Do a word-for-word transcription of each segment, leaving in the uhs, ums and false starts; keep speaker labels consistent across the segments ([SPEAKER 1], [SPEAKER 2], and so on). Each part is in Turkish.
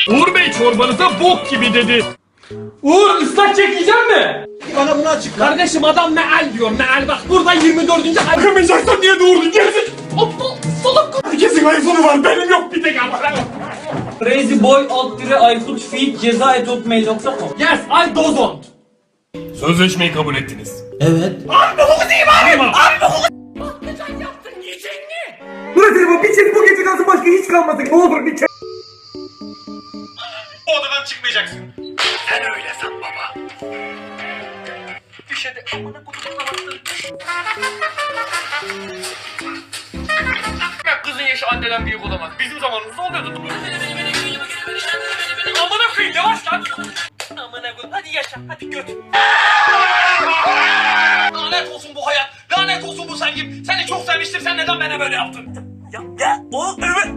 [SPEAKER 1] Uğur Bey çorbanıza bok gibi dedi. Uğur ıslak çekeceğim mi?
[SPEAKER 2] Bana bunu açıkla.
[SPEAKER 1] Kardeşim adam meal diyor meal bak burada yirmi dördüncü ay. Bakamayacaksan niye doğurdun gerizek? Aptal salak. Herkesin iPhone'u var benim yok bir tek ama.
[SPEAKER 3] Crazyboy alt dire Aykut feed ceza et hotmail nokta com.
[SPEAKER 1] Yes I don't.
[SPEAKER 4] Sözleşmeyi kabul ettiniz.
[SPEAKER 3] Evet.
[SPEAKER 1] Abi hukuku değil abi. Abi hukuku. Patlıcan yaptın yiyecek mi?
[SPEAKER 2] Burası bu bir çek bu gece kalsın başka hiç kalmadık. Ne olur bir çek.
[SPEAKER 4] O odadan çıkmayacaksın. Sen öyle san baba.
[SPEAKER 1] Düşede amına kutup kalattın.
[SPEAKER 4] Kızın yaşı anneden büyük olamaz. Bizim zamanımızda oluyordu. Amına koyayım yavaş lan.
[SPEAKER 1] Amına koyayım hadi yaşa hadi göt.
[SPEAKER 4] Lanet olsun bu hayat. Lanet olsun bu sevgim. Seni çok sevmiştim. Sen neden bana böyle yaptın?
[SPEAKER 1] Ya ya o evet.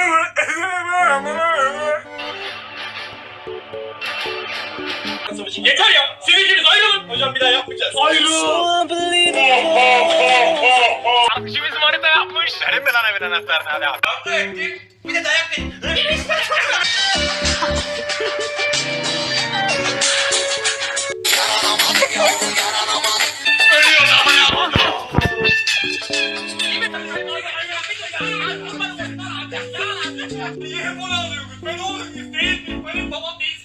[SPEAKER 4] Yeter ya. Siz ikiniz ayrılın. Hocam bir daha yapmayacağız.
[SPEAKER 1] Ayrıl.
[SPEAKER 4] Sarkıcı bizim harita yapmış. Verin mi lan evin anahtarını hadi abi. Kavga ettik. Bir de dayak verin. Ölüyor ama ya. Niye hep onu alıyorsunuz? Ben oğlum değil miyim? Benim babam değil.